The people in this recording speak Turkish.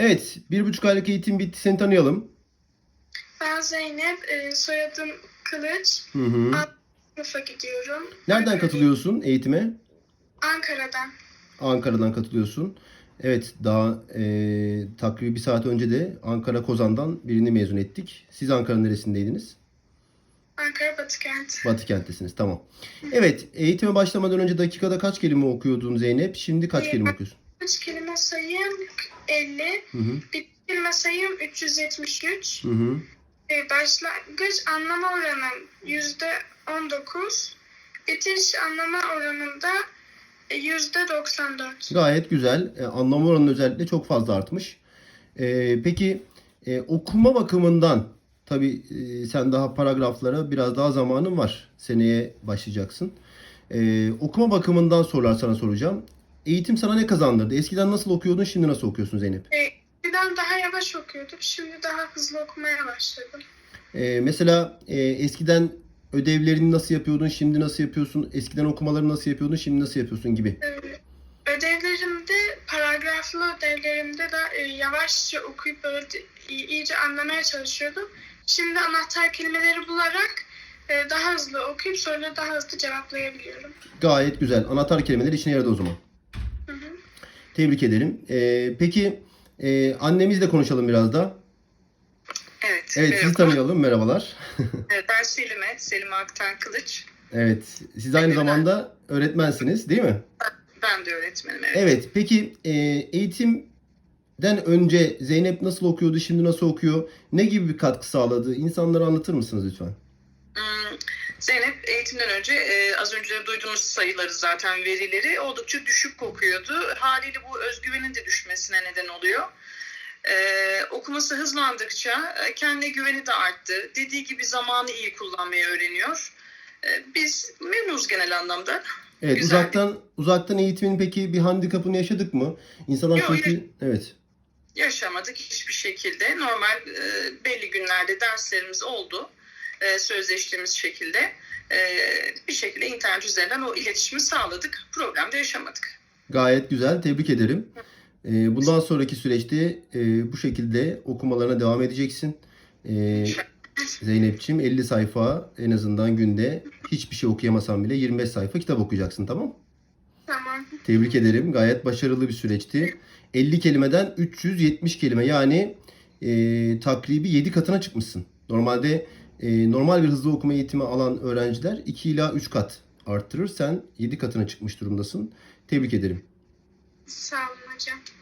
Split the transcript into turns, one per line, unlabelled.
Evet, 1,5 aylık eğitim bitti. Seni tanıyalım.
Ben Zeynep, soyadım Kılıç.
Hı hı.
Alt sınıfa gidiyorum.
Nereden katılıyorsun eğitime?
Ankara'dan.
Ankara'dan katılıyorsun. Evet, daha takribi bir saat önce de Ankara Kozan'dan birini mezun ettik. Siz Ankara'nın neresindeydiniz?
Ankara Batıkent.
Batı kenttesiniz, tamam. Evet, eğitime başlamadan önce dakikada kaç kelime okuyordun Zeynep? Şimdi kaç kelime okuyorsun?
Üç kelime sayım 50.
Hı hı.
Bir kelime sayım 373.
Hı hı.
Başlangıç anlama oranım %19. Bitiş anlama oranında %94.
Gayet güzel. Anlama oranı özellikle çok fazla artmış. Peki okuma bakımından tabii sen daha paragraflara biraz daha zamanın var. Seneye başlayacaksın. Okuma bakımından sorular sana soracağım. Eğitim sana ne kazandırdı? Eskiden nasıl okuyordun, şimdi nasıl okuyorsun Zeynep?
Eskiden daha yavaş okuyordum. Şimdi daha hızlı okumaya başladım.
Mesela eskiden ödevlerini nasıl yapıyordun, şimdi nasıl yapıyorsun? Eskiden okumaları nasıl yapıyordun, şimdi nasıl yapıyorsun gibi.
Ödevlerimde, paragraflı ödevlerimde de yavaşça okuyup böyle iyice anlamaya çalışıyordum. Şimdi anahtar kelimeleri bularak daha hızlı okuyup soruları daha hızlı cevaplayabiliyorum.
Gayet güzel. Anahtar kelimeler işine yaradı o zaman.
Hı hı.
Tebrik ederim. Peki annemizle konuşalım biraz da.
Evet,
Evet, sizi
merhaba.
tanıyalım. Merhabalar.
Ben Selim Aktan Kılıç.
Evet, siz aynı zamanda öğretmensiniz, değil mi?
Ben de öğretmenim, evet.
Evet, peki eğitimden önce Zeynep nasıl okuyordu, şimdi nasıl okuyor? Ne gibi bir katkı sağladı? İnsanlara anlatır mısınız lütfen?
Zeynep eğitimden önce az önce duyduğunuz sayıları zaten verileri oldukça düşük okuyordu. Haliyle bu özgüvenin de düşmesine neden oluyor. Okuması hızlandıkça kendine güveni de arttı. Dediği gibi zamanı iyi kullanmayı öğreniyor. Biz memnunuz genel anlamda.
Evet,
Güzel.
uzaktan eğitimin peki bir handikapını yaşadık mı? İnsanlar
Yok,
çünkü evet.
yaşamadık hiçbir şekilde. Normal belli günlerde derslerimiz oldu. Sözleştiğimiz şekilde. Bir şekilde internet üzerinden o iletişimi sağladık. Problem de yaşamadık.
Gayet güzel, tebrik ederim. Bundan sonraki süreçte bu şekilde okumalarına devam edeceksin. Zeynep'ciğim 50 sayfa en azından günde hiçbir şey okuyamasan bile 25 sayfa kitap okuyacaksın, tamam mı?
Tamam.
Tebrik ederim. Gayet başarılı bir süreçti. 50 kelimeden 370 kelime yani takribi 7 katına çıkmışsın. Normalde normal bir hızlı okuma eğitimi alan öğrenciler 2 ila 3 kat arttırır. Sen 7 katına çıkmış durumdasın. Tebrik ederim.
Sağ olun hocam.